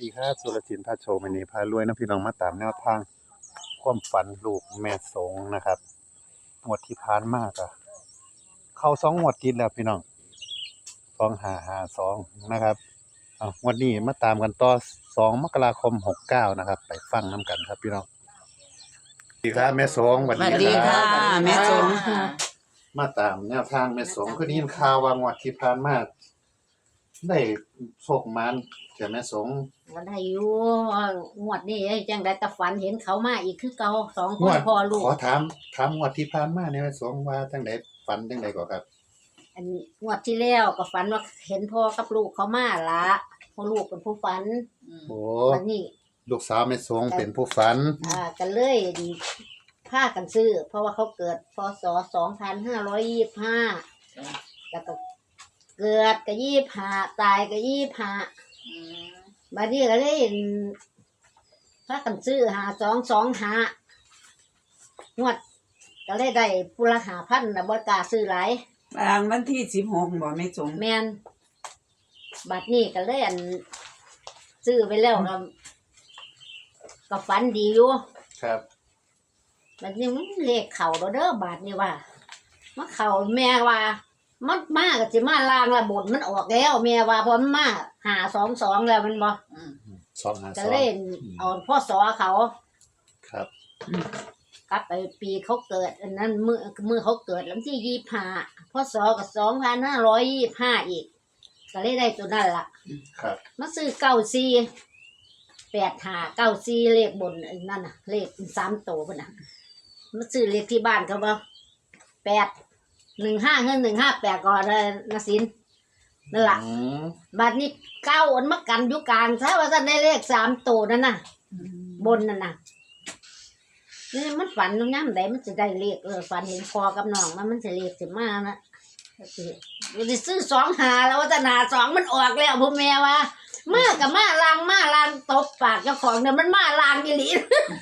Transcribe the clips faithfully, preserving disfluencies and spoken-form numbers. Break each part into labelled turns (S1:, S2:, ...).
S1: ดีครับสุรศิลป์พาโชว์วันนี้พารวยนะพี่น้องมาตามแนวทางความฝันลูกแม่สงนะครับงวดที่ผ่านมากอะเข้าสองงวดติดแล้วพี่น้องสองห้าห้าสองนะครับเอางวดนี้มาตามกันต่อสองมกราคมหกเก้านะครับไปฟังน้ำกันครับพี่น้องสวัสดีครับแม่สงสวัส
S2: สวัส
S1: ดี
S2: ดี
S1: ครั
S2: ค่ะ
S1: บ
S2: แม่สง
S1: มาตามแนวทางแม่สงคือได้ยินข่าวว่างวดที่ผ่านมาได้โชคมันแต่แม่สง
S2: วันอายุงวดนี้จังได้แต่ฝันเห็นเขามาอีกคือเก่าสองค
S1: งวน ด
S2: พ่อลูก
S1: ขอถามถามงวดที่ผ่านมาเนี่ยแม่สงว่าจังไดฝันจังไดก่อครับ
S2: อันนี้งวดที่แล้วก็ฝันว่าเห็นพ่อกับลูกเขามาละพ่อลูกเป็นผู้ฝัน
S1: โอ้
S2: วันนี้
S1: ลูกสาวแม่สงเป็นผู้ฝัน
S2: อ่ากันเลยพากันซื้อ เพราะว่าเขาเกิดพศสองพันห้าร้อยยี่สิบห้าแล้วก็เกิดก็ยี่สิบห้าตายก็ยี่สิบห้าบัดนี้ก็เลยพากันซื้อหาสองสองหางวดก็เลยได้ปุระหาพันนะบ่กล้าซื้อหลาย
S3: บางวันที่สิบหกบ่แม่สง
S2: แม่นบัดนี้ก็เลยอันซื้อไปแล้วก็ก็ฝันดีอยู่
S1: ครับ
S2: บัดนี้มันเลขเข่าแล้วเด้อบาดนี้ว่ามาเข่าแม่ว่ามันมาก็สิมาลางละบทมันออกแล้วแม่ว่าเพราะมันมาหาสองสองแล้วมันบ่
S1: สองห้า
S2: ก็
S1: สอง
S2: เล่นเอาพ่อสอเขา
S1: ครับ
S2: กลับไปปีเขาเกิดอันนั้นมือมือเขาเกิดแล้วที่ยี่สิบห้าพ่อสอกับสองพันห้าร้อยยี่สิบห้าอีกก็เลยได้ตัวนั้นล่ะ
S1: ครับ
S2: มาซื้อเก้าซีแปดหาเก้าซีเลขบนอันนั่นน่ะ เลขสามโตพุ่นน่ะมาซื้อเลขที่บ้านเขาบ่แปดหนึ่งห้าเงินหนึ่งห้าแปดก่อนเลยนะสินนั่นล่ะ
S1: อืม
S2: บัดนี้เก้าอันมากันอยู่กลางถ้าว่าจะได้เลขสามโตนั่นน่ะ บนนั่นน่ะนี่มันฝันย่ำใดมันจะได้เลขเออฝันเห็นคอกับน้องมันมันจะเลขสิมานะสิสิซื้อสองหาแล้วว่าจะหนาสองมันออกแล้วพ่อแม่ว่ามากับมาลางมาลางตบปากเจ้าของเนี่ยมันมาลางอีหลี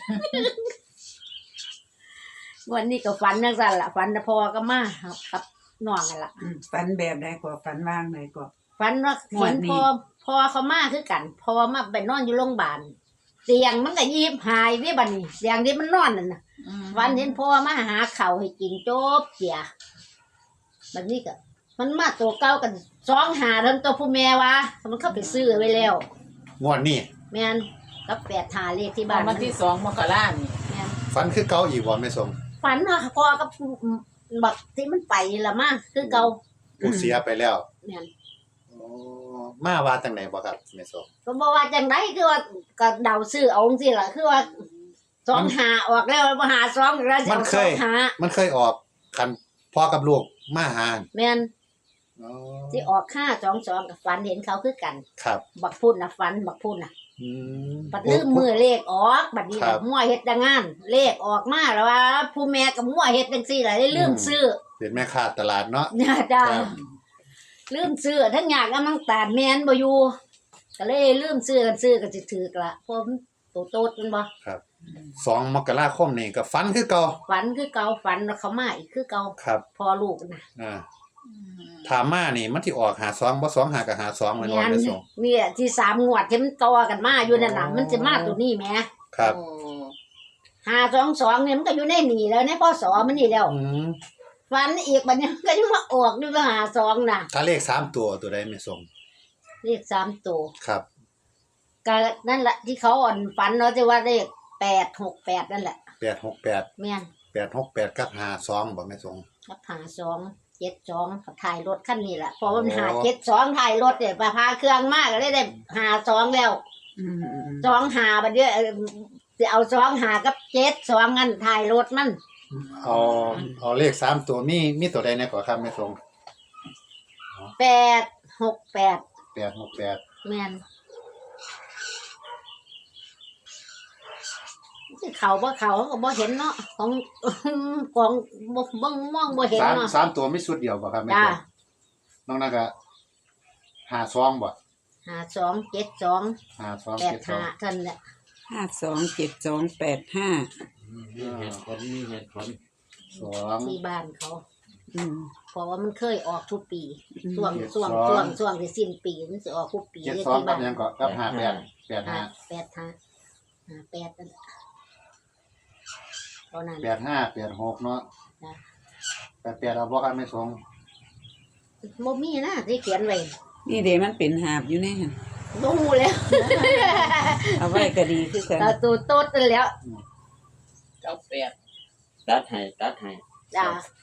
S2: วันนี้ก็ฝันจังซั่นล่ะฝันแต่พอก็มากับน้องนั่นล่ะ
S3: อืมฝันแบบใดก็ฝันว่างใดก็
S2: ฝันว่า
S3: ม่ว
S2: เห็
S3: น
S2: น
S3: นี่
S2: พอพอเขามาคือกัน พอมาไปนอนอยู่โรงพยาบาลเตียงมันก็ยีบหายนี่บัดนี้เตียงที่มันนอนนั่นน่ะฝันเห็นพ่อมาหาข้าวให้กินจบเสียบัดนี้ก็มันมาตัวเก่ากันสองหาเริ่มตัวผู้แม่ว่ามันเข้าไปซื้อไว้แล้ว
S1: งวดนี้
S2: แม่นกับแปดหาเลขที่บ้า
S4: บ้าน นวันที่สองมกรานี่
S2: แม่น
S1: ฝันคือเก่าอีกบ่แม่สง
S2: ฝันว่าพ่อกับบักที่มันไปละมาคือเก่า
S1: ผู้เสียไปแล้ว
S2: แม่น
S1: โอ้มาว่าจังไดบ่ครับแม่สง
S2: ก็บอกว่าจังไดคือว่าก็เดาซื้อเอาจังซี่ล่ะคือว่าสองหาออกแล้วบ่หาสองแล้วจะเอาสองหา
S1: มันเคยออกคันพ่อกับลูกมาหา
S2: แม่น
S1: อ๋อ
S2: ที่ออกห้าสองสองกับฝันเห็นเขาคือกัน
S1: ครับ
S2: บักพูดนะฝันบักพูดนะ
S1: อืม
S2: บัดลืมมือเลขออกบัดนี้
S1: ครับ
S2: มั่วเฮ็ดดังงาน เลขออกมาแล้วว่าผู้แม่กับมั่วเฮ็ดจังซี่ล่ะได้ลืมซื้อ
S1: เป็นแม่ค้าตลาดเนาะ
S2: เนี่ยจ้า
S1: ครับ
S2: ลืมซื้อทั้งอยากกำลังตาดแม่นบ่อยู่ก็เลยลืมซื้อกันซื้อก็สิถูกละเพราะมันโตโตดมันบ่
S1: ครับสองมกราคมนี่ก็ฝันคือเก่า
S2: ฝันคือเก่าฝันว่าเขามาอีกคือเก่า
S1: ครับ
S2: พอลูกนะ
S1: อ่าถามมานี่มันที่ออกหาสองบ่สองหากับหาสองเหมือนวัน
S2: แม่
S1: ไป
S2: น
S1: ส่ง
S2: เนี่ยที่สามงวดที่มันต่อกันมาอยู่นั่นน่ะ
S1: อ๋อ
S2: มันจะมาตัวนี้แหม
S1: ครับ
S2: ห้าสองสองเนี่ยมันก็อยู่ในนี่แล้วในพศมันนี่แล้ว
S1: อืม
S2: ฝันอีกบัดนี้ก็ยังมาออกด้วยว่าหาสองน่ะ
S1: ถ้าเลขสามตัวตัวใดไม่ส่ง
S2: เลขสามตัว
S1: ครับ
S2: ก็นั่นแหละที่เขาอ่อนฝันเนาะที่ว่าเลขแปดหกแปดนั่นแหละ
S1: แปดหกแปด
S2: แม่น
S1: แปดหกแปดกับหาสองบ่ไม่ส่ง
S2: กับหาสองเจ็ดสองกับถ่ายรถคันนี้แหละเพราะว่ามัน
S1: โอ้
S2: หาเจ็ดสองถ่ายรถเนี่ยพาพาเครื่องมากก็เลยได้หาสองแล้ว
S3: อืม
S2: สองหาบัดเนี้ยเอ่อสิเอาสองหากับเจ็ดสองงั้นถ่ายรถมัน
S1: เอาเอาเลขสามตัวมีมีตัวใดในก่อครับไม่ส่ง
S2: แปดหกแปด
S1: แปดหกแปด
S2: แม่นที่เขาบ่เขาก็บ่เห็นเนาะของ ของบ่เบิ่งมองบ่เห็น
S1: สาม
S2: เนาะ
S1: สามตัวมีชุดเดียวบ่ครับไม่
S2: จ้า
S1: ส่งน้องนั่นก็หาสองบ่
S2: หาสองเจ็ดสอง
S1: หาสอง
S2: แปด
S1: เจ็ดสอ
S2: หาง ท่านแหละ
S3: ห้าสองเจ็ดสองแปดห้า
S1: มีเหตุผลมีเหตุผลสอง
S2: ที่บ้านเขา
S3: อืม
S2: เพราะว่ามันเคยออกทุกปี
S3: อืม
S2: ช่วงช่วงช่วงช่วงที่สิ้นปีมันสิออกทุกปี
S1: เจ็ด
S2: เลย
S1: สอง
S2: ที่
S1: กับ
S2: บ้าน
S1: ยังก็กับห้าแปดแปด
S2: ห้า
S1: ห้า
S2: แปดห้าห้าแปดนั่นล่ะเท่านั้น
S1: แปดห้าแปดหกเนาะ
S2: จ้ะ
S1: แปดแปดเอาบ่กันไม่สง
S2: บ่มีนะที่เขียนไว้
S3: นี่เด้มันเป็นหาบอยู่ในหั่น
S2: บ่ฮู้แล้ว
S3: เอาไว้ก็ดีคือกัน
S2: ตาตูโตดนั่นแล้ว
S4: เก้าแปดตัดให้ตัดให้
S2: จ้า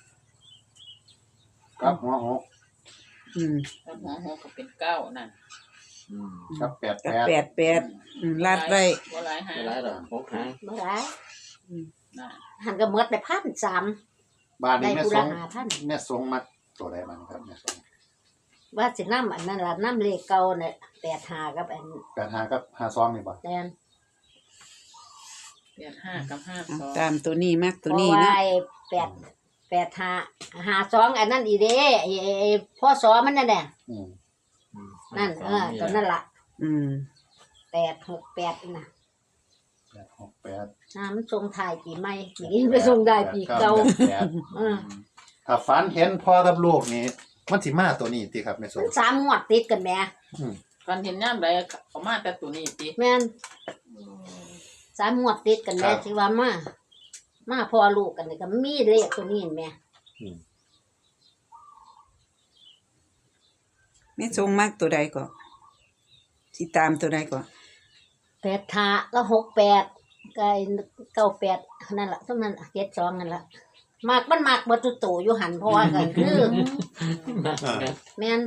S1: กับหัวหก
S3: อืม
S4: แล้วหัวหัวก็เป็นเก้านั่น
S5: อืม
S1: กับแปด
S3: ก็
S1: แปด
S3: แปดแปดอืมลาดไว้
S4: บ่หลายหา
S5: ไม่ไรหรอกพกหาง
S2: บ่ได้
S4: น่ะ
S2: หันก็หมดไปพันสาม
S1: บ้าน
S2: ได้
S1: นี้แม่
S2: ผู้
S1: ส
S2: ละ
S1: ง
S2: ห้าพัน
S1: แม่สงมัดตัวใดมันครับแม่สง
S2: ว่าสินำอันนั้นล่ะนำเลขเก่าน่ะแปดห้ากับอัน
S1: แปดห้ากับห้าสองนี่บ่
S2: แดน
S4: แปดห้ากับห้า
S3: เอา
S4: สอง
S3: ตามตัวนี้มักตัว
S2: เพ
S3: นี้
S2: ราะว่า
S3: เนาะ
S2: ไอ้แปดแปดห้าห้าสองอันนั้นอีเด้ไอ้ไอ้ไอ้พ่อสอมันนั่นแหละ
S1: อืม
S5: อืม
S2: นั่นเออตัวนั่นล่ะ
S3: อืม
S2: แปดหกแปดน่ะ
S1: แปดหกแปด
S2: น้ำมันส่งท้ายปีใหม่ปีนี้ไปส่งได้ปีเก่า
S1: แปดแปด
S2: เออ
S1: ถ้าฝันเห็นพ่อกับลูกนี่มันสิมาตัวนี้ติครับแม่ส
S2: มั
S1: ง
S2: นสามงวดติดกันแหม่
S1: อืม
S4: กันเห็นย่ามใดเขามาแต่ตัวนี้ติ
S2: แม่นสามงวดติดกันแหม่ที่ว่ามามาพ่อลูกกันนี่ก็มีเลขตัวนี้แหม่
S1: อืม
S3: แม่ทรงมักตัวใดก็สิตามตัวใดก็
S2: แปดห้าก็หกแปดก็ไอ้เก้าแปดนั่นล่ะเท่านั้นเจ็ดสองนั่นล่ะมากมันมากบ่ตุโตอยู่หันเพราะว่าก็คือ
S1: อ่า
S2: แม่น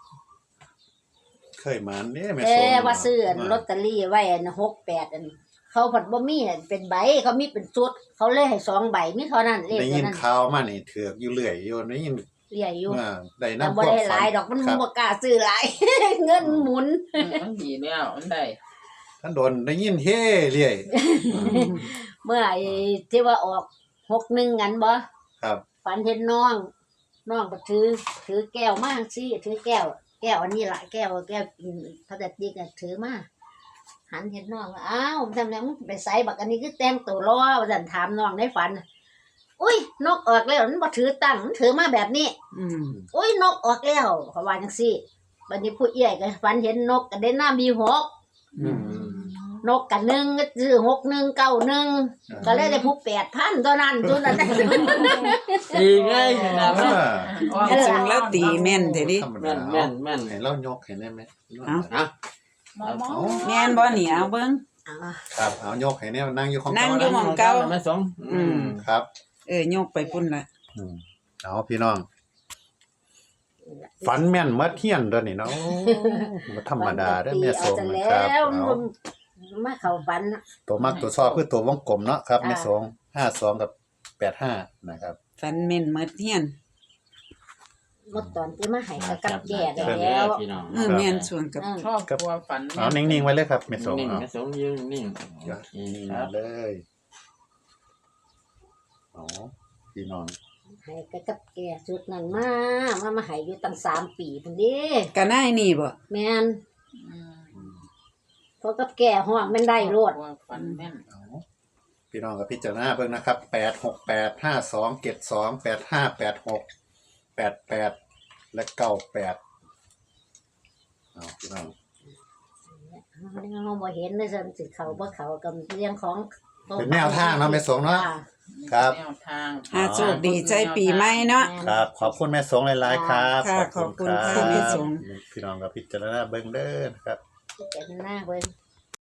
S1: เคยมาเนี่ยแม่
S2: แต่
S1: สง
S2: ว่าซื้ออันลอตเตอรี่ไว้อันหกแปดอันเขาผัดบ่มีอันเป็นใบเขามีเป็นชุดเขาเลยให้สองใบมีเท่านั้นเลข
S1: ได้
S2: เท่า
S1: ยิน
S2: นั้น
S1: ข่าวมานี่ถือกอยู่เรื่อยอยู่ได้ยิน
S2: เรียอยู่
S1: ว่าได้
S2: แต่
S1: นำ
S2: บ่ได้หลายดอกมัน
S1: ครับ
S2: บ่กล้าซื้อหลาย เงินหมุน
S4: อืมมันดีแล้วมันได้
S1: ท่านโดนได้ยินเฮ้เรื่อย
S2: เมื่อไอ้ที่ว่าออกหกหนึ่งงั้นบ่
S1: ครับ
S2: ฝันเห็นน้องน้องก็ถือ ถือแก้วมาสิถือแก้ว แก้วอันนี้ล่ะแก้วแก้วกินพลาสติกน่ะถือมาหันเห็นน้องว่าอ้าวมันทำแล้วมึงไปใส่บักอันนี้คือแต่งตัวรอว่าซั่นถามน้องในฝันอุ้ยนกออกแล้วมันบ่ถือตั้งมันถือมาแบบนี้
S3: อืม
S2: อุ้ยนกออกแล้วเขาว่าจังซี่บัดนี้ผู้เอี้ยก็ฝันเห็นนกก็ได้น้ำมีหก
S1: อืม
S2: นกกันหนึ่งก็ซื้อหกหนึ่งเก้าหนึ่งก็เลยได้ผู้แปดพันตัวนั้นตัวนั้น
S5: ตีง่ายขนาด
S1: อ่า
S5: นั้น
S3: แม่ทรงแล้วตีแม่นแท้ดิ
S1: ธรรม
S5: แม่
S1: ดาน
S5: แม่นแม่น
S1: ให้เรายกให้ได้ไหม
S3: เอา
S5: อ่ะ
S4: มอมอ
S1: เอา
S3: แม่นบ่นี่เอาเบิ่ง
S2: อ่า
S1: ครับเอายกให้เนี่ยนั่งอยู่ของ
S3: นั่งอยู่
S1: เก่า
S3: หม้องเก่า
S5: ไม่สง
S3: อืม
S1: ครับ
S3: เออยกไปพุ่นละ
S1: อืมเอาพี่น้อง ฝันแม่นมัดเฮียนตัวนี้เนาะโอ้บ่ธรรมดาเด้อแม่ส
S2: เอา
S1: ง
S2: จะ
S1: นะ
S2: แล้
S1: ครับ
S2: ว
S1: เอา
S2: มาเข้าฝันน่ะ
S1: ตัวมักตัวชอบคือตัววงกลมเนาะครับ
S2: อ่า
S1: แม่สงห้าสองกับแปดห้านะครับ
S3: ฟันแม่นหมดเฮียน
S2: หมดตอนที่มาให้กับกับแก่
S5: จั
S2: ได้
S5: บ
S2: แล้ว
S5: พี่น้อง
S3: เออแม่นส่วนกับ
S2: อืม
S4: ชอบกลัวฝัน
S1: เอานิ่งๆไว้เลยครับแม่สง
S5: นิ่ง
S1: เอา
S5: ไม่สงยืนนิ่ง
S1: อย่า
S5: โอเค
S1: นิ่ง
S5: ครับ
S1: เลยเอาพี่น้อง
S2: ให้กับกับแก่ชุดนั้นมามามาให้อยู่ตั้งสามปีพุ่นเดิ
S3: ก็นายนี่บ่
S2: แม่น
S4: อืม
S1: อืม
S2: เพราะกับแก่ห้องมันได้โลด
S4: กลัวฝันแม่น
S1: เอาพี่น้องกับพิจารณาเบิ่งนะครับแปดหกแปดห้าสองเจ็ดสองแปดห้าแปดหกแปดแปดและเก้าแปดเอาพี่น้อง
S2: เฮาบ่เห็นเลยซั่นสิเข้าบ่เข้ากับเรื่องของ
S1: เป็นแนวทางเนาะแม่สงเนาะ
S2: อ่า
S1: ครับ
S4: แนวทาง
S3: หาโชคดีใจปีใหม่เนาะ
S1: ครับ ขอบคุณแม่สงหลายๆครับ
S3: ค่ะขอบคุณค่ะแม่สง
S1: พี่น้องกับพิจารณาเบิ่งเด้อนะครับ
S2: พิจารณาเบิ่ง